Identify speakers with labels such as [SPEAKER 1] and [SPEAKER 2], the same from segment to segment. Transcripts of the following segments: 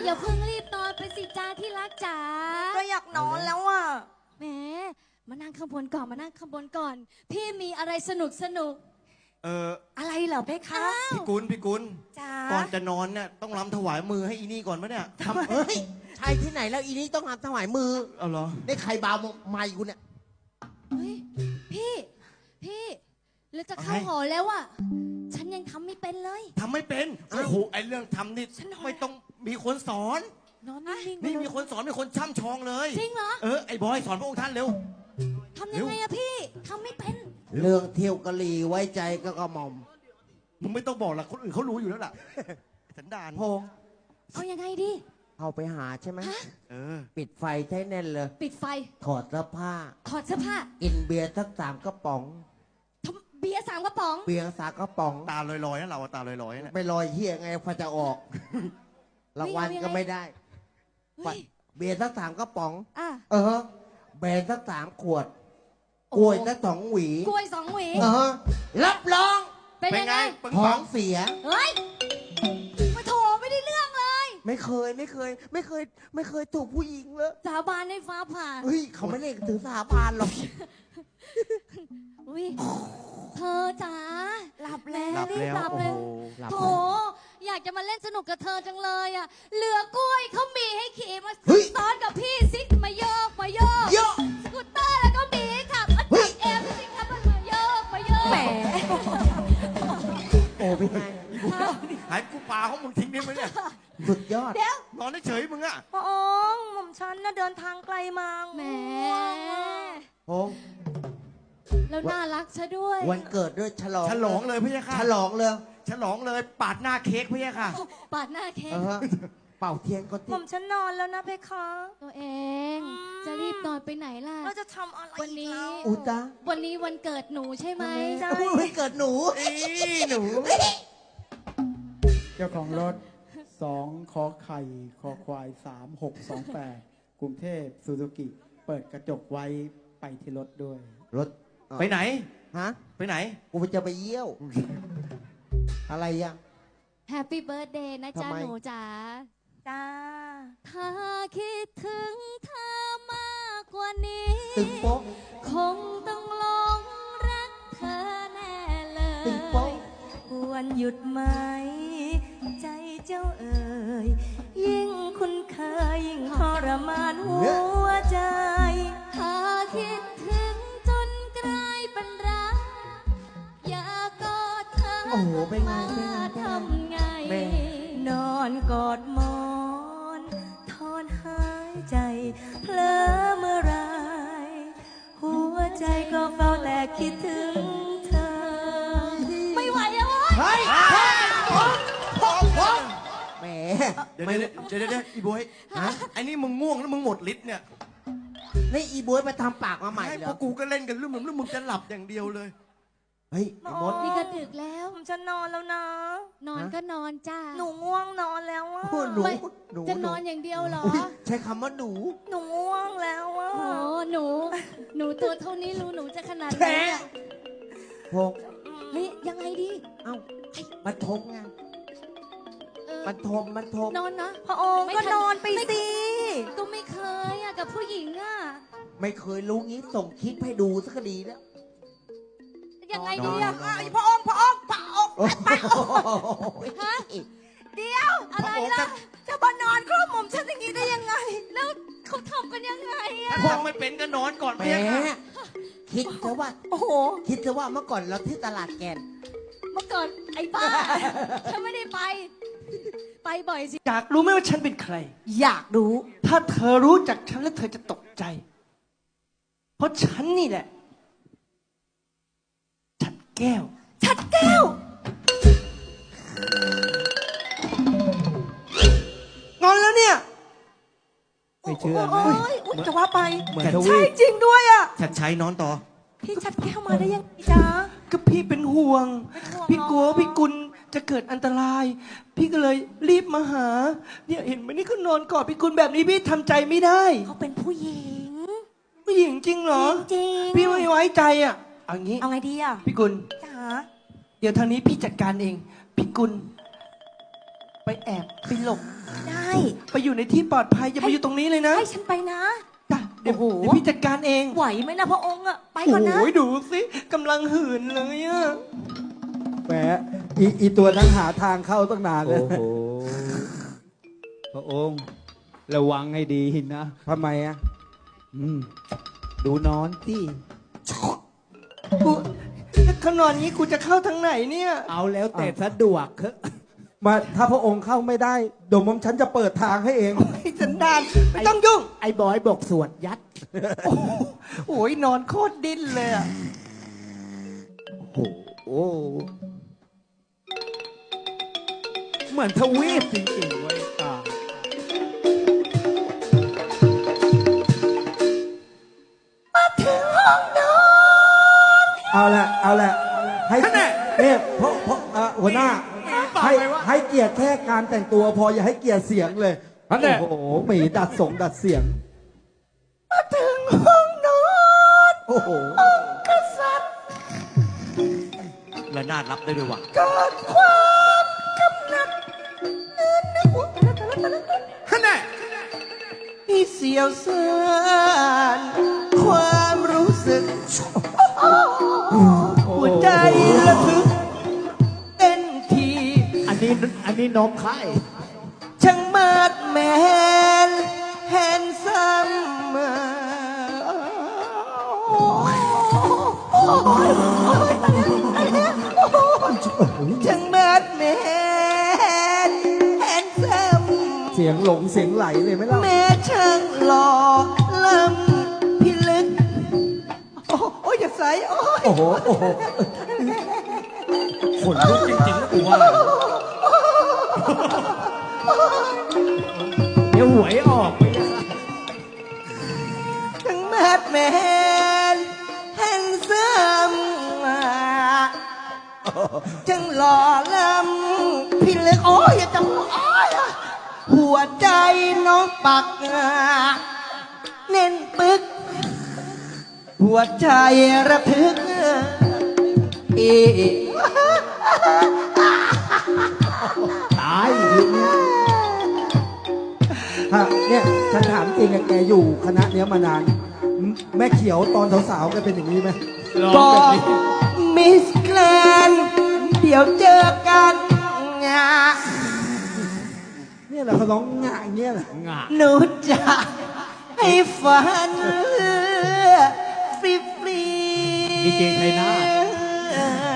[SPEAKER 1] อย่าเพิ่งรีบนอนไปสิจ้าที่รักจ๋า
[SPEAKER 2] ก็อยากนอนแล้วอ่ะ
[SPEAKER 1] แหมมานั่งข้างบนก่อนมานั่งข้างบนก่อนพี่มีอะไรสนุก
[SPEAKER 2] อะไรเหรอเพคะ
[SPEAKER 3] พี่กุล
[SPEAKER 2] จ้า
[SPEAKER 3] ก่อนจะนอนเนี่ยต้องรำถวายมือให้อีนี่ก่อนปะเนี่ย
[SPEAKER 4] ทำใช่ที่ไหนแล้วอีนี้ต้องรำถวายมือ
[SPEAKER 3] เอาเหรอ
[SPEAKER 4] ได้ใครบาวไม่กูเนี่ย
[SPEAKER 1] เฮ้ยพี่แล้วจะเข้าหอแล้วอ่ะฉันยังทำไม่เป็นเลย
[SPEAKER 3] ทำไม่เป็นโอ้โหไอเรื่องทำนี่ไม่ต้องมีคนสอน
[SPEAKER 1] นอนนิ่ง
[SPEAKER 3] นี่มีคนสอนมีคนช่ำชองเลย
[SPEAKER 1] จริงเหรอ
[SPEAKER 3] ไอบอยสอนพระองค์ท่านเร็ว
[SPEAKER 1] ทำยังไงอะพี่ทำไม่เป็น
[SPEAKER 4] เรื่องเที่ยวกะลีไว้ใจก็กระหม่อม
[SPEAKER 3] มึงไม่ต้องบอกหรอกคนอื่นเขารู้อยู่แล้วล่ะสันดาน
[SPEAKER 4] พง
[SPEAKER 1] เอายังไงดี
[SPEAKER 4] เอาไปหาใช่ไหมปิดไฟใช้แน่นเลย
[SPEAKER 1] ปิดไฟ
[SPEAKER 4] ถอดเสื้อผ้ากินเบียร์สัก3 กระป๋อง
[SPEAKER 1] เบียร์3 กระป๋อง
[SPEAKER 4] เบียร์3 กระป๋อง
[SPEAKER 3] ตาลอยๆนะเราตาลอยๆนะ
[SPEAKER 4] ไม่ลอยเฮียไงพอจะออกรางวัลก็ไม่ได้เบียร์สัก3 กระป๋องแบนสัก3 ขวดกล้วยสัก2 หวี
[SPEAKER 1] กล้วย2 หวี
[SPEAKER 4] รับรอง
[SPEAKER 1] เป็นยังไง
[SPEAKER 4] ท้องเสีย
[SPEAKER 1] เฮ้ยมาโถไม่ได้เรื่องเลย
[SPEAKER 4] ไม่เคยถูกผู้หญิงเลย
[SPEAKER 1] สาบานในฟ้าผ่า
[SPEAKER 4] เฮ้ยเขาไม่เล่นถือสาบานหรอก
[SPEAKER 1] เธอจ๋าหลับแล้วโถอยากจะมาเล่นสนุกกับเธอจังเลยอ่ะเหลือกล้วยเขามีให้ขี่มาซ้อนกับพี่ซิมาโยกสกูตเตอร์แล้วก็มีขับเอ็มซิครับมาโยกแหม
[SPEAKER 4] โอ้พี่ไง
[SPEAKER 3] หายกูปลาของมึงทิ้งได้ไหมเนี่ย
[SPEAKER 4] สุดยอด
[SPEAKER 1] เดี๋ย
[SPEAKER 3] วนอนเฉยมึงอ่ะ
[SPEAKER 2] พระองค์หม่อมฉันน่ะเดินทางไกลมา
[SPEAKER 1] แหม
[SPEAKER 4] พง
[SPEAKER 1] แล้วน่ารักซะด้วย
[SPEAKER 4] วันเกิดด้วยฉล
[SPEAKER 3] องเลยพี่ค่ะ
[SPEAKER 4] ฉลอง
[SPEAKER 3] เลยปาดหน้าเค้กพี่ค่ะ
[SPEAKER 1] ปาดหน้าเค้ก
[SPEAKER 4] เป่าเทียนก็
[SPEAKER 2] หม่อมฉันนอนแล้วนะเพคะ
[SPEAKER 1] ตัวเองจะรีบนอนไปไหนล่ะ
[SPEAKER 2] เราจะทำอะไร
[SPEAKER 1] วันนี้
[SPEAKER 2] วัน
[SPEAKER 1] นี้วันเกิดหนูใช่ไหม
[SPEAKER 4] ใช่วันเกิดหนู
[SPEAKER 5] เจ้าของรถ2 ขอไข่คอควาย 3628กรุงเทพซูซูกิเปิดกระจกไว้ไปที่รถด้วย
[SPEAKER 4] รถ
[SPEAKER 3] ไปไหน
[SPEAKER 4] ไปไหนกูจะไปเยี่ยวอะไรอ่ะ
[SPEAKER 1] Happy Birthday นะจ๊ะหนูจ๋าถ้าคิดถึงเธอมากกว่านี้
[SPEAKER 4] ตึงโป๊ะ
[SPEAKER 1] คงต้องหลงรักเธอแน่เลย
[SPEAKER 4] ตึงโป๊ะ
[SPEAKER 2] ควรหยุดไหมใจเจ้าเอ๋ยยิ่งคุ้นเคยยิ่งทรมานหัวใจ
[SPEAKER 1] ถ้าคิดถึงจนกลายเป็นรักอยากกอดเธอมาทำไง
[SPEAKER 2] นอนกอดหมอนถอนหายใจเผลอเมื่อไรหัวใจก็เฝ้าแต่คิดถึงเธอ
[SPEAKER 1] ไม่ไหวแล้ว
[SPEAKER 4] เฮ้ยแหม
[SPEAKER 3] เดี๋ยวอีบวยไอ้นี่มึงง่วงแล้วมึงหมดฤทธิ์เนี่ย
[SPEAKER 4] นี่อีบวยไปทำปากมาใหม่เหรอ
[SPEAKER 3] พวกกูก็เล่นกันลืมมึงจะหลับอย่างเดียวเลย
[SPEAKER 4] เฮ้ยมด
[SPEAKER 1] นี่ก็ดึกแล้ว
[SPEAKER 2] ผมจะนอนแล้วนะ
[SPEAKER 1] นอนก็นอนจ้า
[SPEAKER 2] หนูง่วงนอนแล้วอ่ะ
[SPEAKER 4] หนู
[SPEAKER 1] จะนอนอย่างเดียวเหรอ
[SPEAKER 4] ใช้คำว่าหนู
[SPEAKER 2] ง่วงแล้วอ่ะ
[SPEAKER 1] โอ้หนูตัวเท่านี้รู้หนูจะขนาดไหน
[SPEAKER 4] พง
[SPEAKER 1] เฮ้ยยังไงดี
[SPEAKER 4] มันทมไงมันทม
[SPEAKER 1] นอนนะ
[SPEAKER 2] พระองค์ก็นอนไปสิ
[SPEAKER 1] ก็ไม่เคยอะกับผู้หญิงอะ
[SPEAKER 4] ไม่เคยรู้งี้ส่งคลิปให้ดูสักดีแล้ว
[SPEAKER 1] ยังไงดีอะ
[SPEAKER 2] พระองค์ฮะเดี๋ยว
[SPEAKER 1] อะไรล่ะ
[SPEAKER 2] จะมานอนครอบหม่อมฉันอย่างนี้ได้ยังไง
[SPEAKER 1] แล้วเขาทำกันยังไงอะ
[SPEAKER 3] พองไม่เป็นก็นอนก่อน
[SPEAKER 4] แม่คิดซะว่าคิดซะว่าเมื่อก่อนเราที่ตลาดแกน
[SPEAKER 1] เมื่อก่อนไอ้บ้าฉันไม่ได้ไปบ่อยสิ
[SPEAKER 6] อยากรู้ไหมว่าฉันเป็นใคร
[SPEAKER 2] อยากรู้
[SPEAKER 6] ถ้าเธอรู้จักฉันแล้วเธอจะตกใจเพราะฉันนี่แหละฉัดแก้วงอนแล้วเนี่ย
[SPEAKER 5] ไม่เชื่อไหม
[SPEAKER 2] จะว่าไปใช่จริงด้วยอ่ะ
[SPEAKER 3] ชัดชัยนอนต่อ
[SPEAKER 2] พี่ชัดแก้วมาได้ยังไงจ๊ะ
[SPEAKER 6] ก็พี่เป็นห่วงพี่กลัวพี่กุลจะเกิดอันตรายพี่ก็เลยรีบมาหาเนี่ยเห็นไหมนี่เขานอนกอดพี่กุลแบบนี้พี่ทำใจไม่ได้
[SPEAKER 2] เขาเป็นผู้หญิง
[SPEAKER 6] จริงเหรอ
[SPEAKER 2] จริง
[SPEAKER 6] พี่ไม่ไว้ใจอ่ะเอา
[SPEAKER 2] ไงดีอ่ะ
[SPEAKER 6] พี่กุล
[SPEAKER 2] จ๋า
[SPEAKER 6] เดี๋ยวทางนี้พี่จัดการเองพี่กุลไปแอบไปหลบ
[SPEAKER 2] ได้
[SPEAKER 6] ไปอยู่ในที่ปลอดภัยอย่ามาอยู่ตรงนี้เลยนะ
[SPEAKER 2] ให้ฉันไปนะ
[SPEAKER 6] จ้ะเดี๋ยว
[SPEAKER 2] โอ้โห
[SPEAKER 6] เดี๋ยวพี่จัดการเอง
[SPEAKER 2] ไหวไหมนะพระองค์อะไปก่อนนะ
[SPEAKER 6] โอ้ยดูสิกำลังหื่นเลยอะ
[SPEAKER 5] แหมอีตัวนั้นหาทางเข้าตั้งนานเลย
[SPEAKER 7] โอ้โห พระองค์ระวังให้ดีนะ
[SPEAKER 5] ทำไมอ่ะ
[SPEAKER 7] ดูนอนที่
[SPEAKER 6] กูถ้าเขานอนงี้กูจะเข้าทางไหนเนี่ย
[SPEAKER 7] เอาแล้วแต่สะดวกเถอะ
[SPEAKER 5] มาถ้าพระองค์เข้าไม่ได้เดี๋ยวผมฉันจะเปิดทางให้เอง
[SPEAKER 6] ไอ้สันดานไม่ต้องยุ่ง
[SPEAKER 7] ไอ้บอยบอกสวดยัด
[SPEAKER 6] โอ้ยนอนโคตรดิ้นเลยอะ
[SPEAKER 7] โอ้โห เหมือนทวีปจริงๆเว้ยตา
[SPEAKER 5] เอาละให้เนี่ยเพราะหัวหน้าให้เกียรติแค่การแต่งตัวพออย่าให้เกียรติเสียงเลยโอ้โหหมีดัดเสียง
[SPEAKER 6] มาถึงห้องนอน
[SPEAKER 5] โอ้โห
[SPEAKER 6] กษัตริย์
[SPEAKER 3] และน่ารับได้ด้วยวะ
[SPEAKER 6] เกิดความกำหนัดมีเสียวซ่านความรู้สึก หัวใจระทึกเต้นที
[SPEAKER 7] อันนี้นมไข่
[SPEAKER 6] ช่างมาดแมนแฮนซัมช่างมาดแมนแฮนซัม
[SPEAKER 5] เสียงหลงเสียงไหลเลยไหมล่ะ
[SPEAKER 6] แม่ช่างหล่อล้ำพิลึกโอ้ยอย่าใส่โอ้ย
[SPEAKER 5] โอ้โห
[SPEAKER 3] ขนลุกจริงๆนะกูว่า
[SPEAKER 7] เดี๋ยวหวยออกไปนะ
[SPEAKER 6] ทั้งแมดแมนแฮนซัมจังหล่อล้ำพิลึกโอ้ยอย่าจับโอ้ยหัวใจน้องปักเน้นปึก หัวใจระทึก
[SPEAKER 7] ตายทีเนี้ย
[SPEAKER 5] ฮะเนี่ยฉันถามจริงอะแกอยู่คณะเนี้ยมานานแม่เขียวตอนสาวๆแกเป็นอย่างนี้ไหม
[SPEAKER 6] บอกมิสแกรนด์เดี๋ยวเจอกันงา
[SPEAKER 5] เนี่ยแหละเขาร้องง่ายเนี่ยแหละ
[SPEAKER 7] งะ
[SPEAKER 6] หนูจะให้ฝันฟรีฟรี
[SPEAKER 7] ดีเจไทยนาถ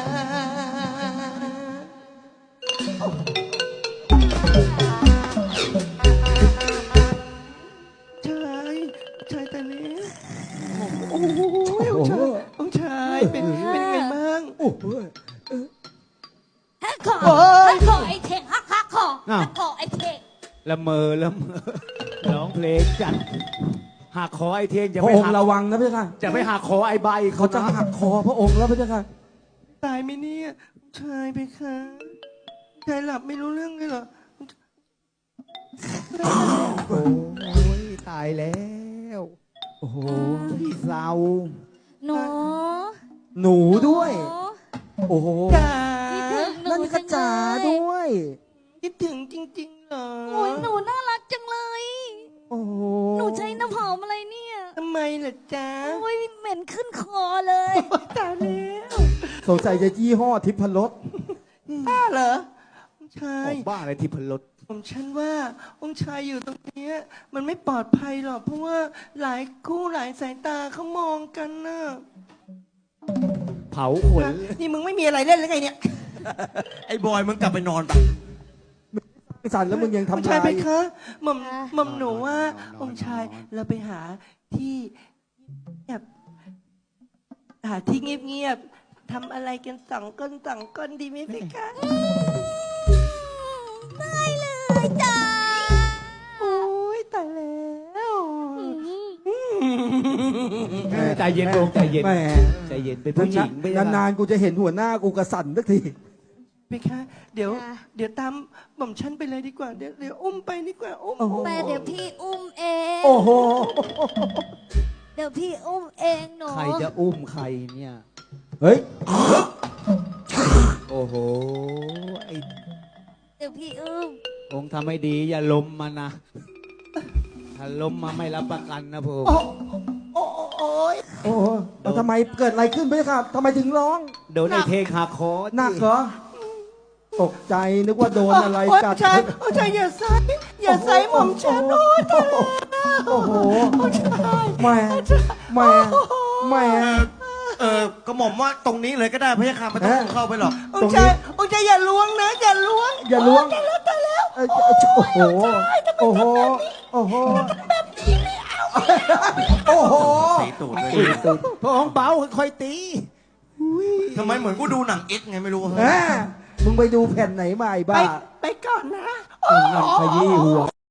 [SPEAKER 6] ชายแต่นี้โอ้โหองค์ชายเป็นไงบ้าง
[SPEAKER 5] โอ้โห
[SPEAKER 1] ฮักคอไอเทงฮักคอฮักคอไอเทง
[SPEAKER 7] ละเมอร้องเพลงจัดหักคอไอเทียนจะ
[SPEAKER 5] พ
[SPEAKER 7] ไป
[SPEAKER 5] ระอง
[SPEAKER 7] หั
[SPEAKER 5] ค์
[SPEAKER 7] ก
[SPEAKER 5] ระวังนะพี่ค่ะ
[SPEAKER 7] จะไปหักคอไอใบ
[SPEAKER 5] เขาจะหักคอพระองค์แล้วพี่ค่ะ
[SPEAKER 6] ตายไหมเนี่ยชายไปคะชายหลับไม่รู้เรื่องเลยเหรอ
[SPEAKER 7] โอ้ยตายแล้ว
[SPEAKER 5] โอ้โห
[SPEAKER 7] พี่เศร้า
[SPEAKER 1] หนู
[SPEAKER 5] หนูด้วย โอ้โห
[SPEAKER 6] จ๋า
[SPEAKER 1] คิดถึงหนู
[SPEAKER 5] นั่นกระจาด้วย
[SPEAKER 6] คิดถึงจริงๆเหรอ
[SPEAKER 1] โอ้ยหนูน่ารักจังเลย
[SPEAKER 5] โอ้โห
[SPEAKER 1] หนูใช้น้ำหอมอะไรเนี่ย
[SPEAKER 6] ทำไมล่ะจ๊ะ
[SPEAKER 1] โอ้ยเหม็นขึ้นคอเลย
[SPEAKER 6] ตายแล้ว
[SPEAKER 5] สงสัยจะยี่ห้อทิพรส
[SPEAKER 6] บ้าเหรอองค์ชา
[SPEAKER 7] อย อกบ้าอะไรที่พลด
[SPEAKER 6] ผมฉันว่าองค์ชายอยู่ตรงเนี้ยมันไม่ปลอดภัยหรอกเพราะว่าหลายคู่หลายสายตาเขามองกันนะ
[SPEAKER 7] เผาขน
[SPEAKER 6] นี่มึงไม่มีอะไรเล่นหรือไงเนี่ย
[SPEAKER 3] ไอ้บอยมึงกลับไปนอนไป
[SPEAKER 5] สั่นแล้วมึงยัง
[SPEAKER 6] องค์
[SPEAKER 5] ทำ
[SPEAKER 6] ชาย
[SPEAKER 5] ลาย
[SPEAKER 6] ไปคะหม่อมหนูว่าองค์ชายเราไปหาที่เงียบหาที่เงียบๆทำอะไรกันสองก้นดีไหมพี่คะ
[SPEAKER 1] ได้เลยจ้า
[SPEAKER 6] โอ้ยตายแล้ว
[SPEAKER 7] ใจเย็นลงใจเย็น
[SPEAKER 5] แหม
[SPEAKER 7] ใจเย็นเป็นผู้หญิงไม่ใช่
[SPEAKER 5] นานๆกูจะเห็นหัวหน้ากูกระสั่นสักที
[SPEAKER 6] พี่คะเดี๋ยวตามหม่อมฉันไปเลยดีกว่าเดี๋ยวอุ้มไปดีกว่าอุ้ม
[SPEAKER 1] แต่เดี๋ยวพี่อุ้มเอง
[SPEAKER 5] โอ้โห
[SPEAKER 1] เดี๋ยวพี่อุ้มเองหนู
[SPEAKER 7] ใครจะอุ้มใครเนี่ย
[SPEAKER 5] เฮ้ย
[SPEAKER 7] โอ้โหไอ้
[SPEAKER 2] เดี๋ยวพี่อุ้ม
[SPEAKER 7] องค์ทำให้ดีอย่าล้มมานะ ถ้าล้มมาไม่รับประกันนะผม
[SPEAKER 6] โอ้โอ้ย
[SPEAKER 5] โอ้โหแล้วทำไมเกิดอะไรขึ้นพี่ครับทำไมถึงร้อง
[SPEAKER 7] โดนไอ้เทงหักคอ
[SPEAKER 5] หนักเหรอ ตกใจนึกว่าโดนอะไร
[SPEAKER 6] โอ้ย
[SPEAKER 5] กัด
[SPEAKER 6] ชายโอ้ยชายอย่าใส่อย่าใส่หม่อมฉันโอ้ยตายแล้ว
[SPEAKER 5] โอ้โห
[SPEAKER 6] โอ้ยชาย
[SPEAKER 5] แหม่แหม่แหม่
[SPEAKER 3] กระหม่อมว่าตรงนี้เลยก็ได้พระยาค่ะไม่ต้องเข้าไปหรอก
[SPEAKER 6] โอ้ยชายโอ้ยชายอย่าล้วงนะอย่าล้วง
[SPEAKER 5] อย่าล้วง
[SPEAKER 6] ตายแล้วตายแล้ว
[SPEAKER 5] โอ้โห โอ้โห โอ้โห โอ้โห
[SPEAKER 3] ตีตูดเลย
[SPEAKER 7] พระองค์เบาค่อยๆตี
[SPEAKER 3] ทำไมเหมือนกูดูหนังเอ็กซ์ไงไม่รู้
[SPEAKER 5] แหมมึงไปดูแผ่นไหนมาไอ้
[SPEAKER 6] ไป
[SPEAKER 5] บ้า
[SPEAKER 6] ไปก่อนนะ
[SPEAKER 5] นั่นขยี้หัว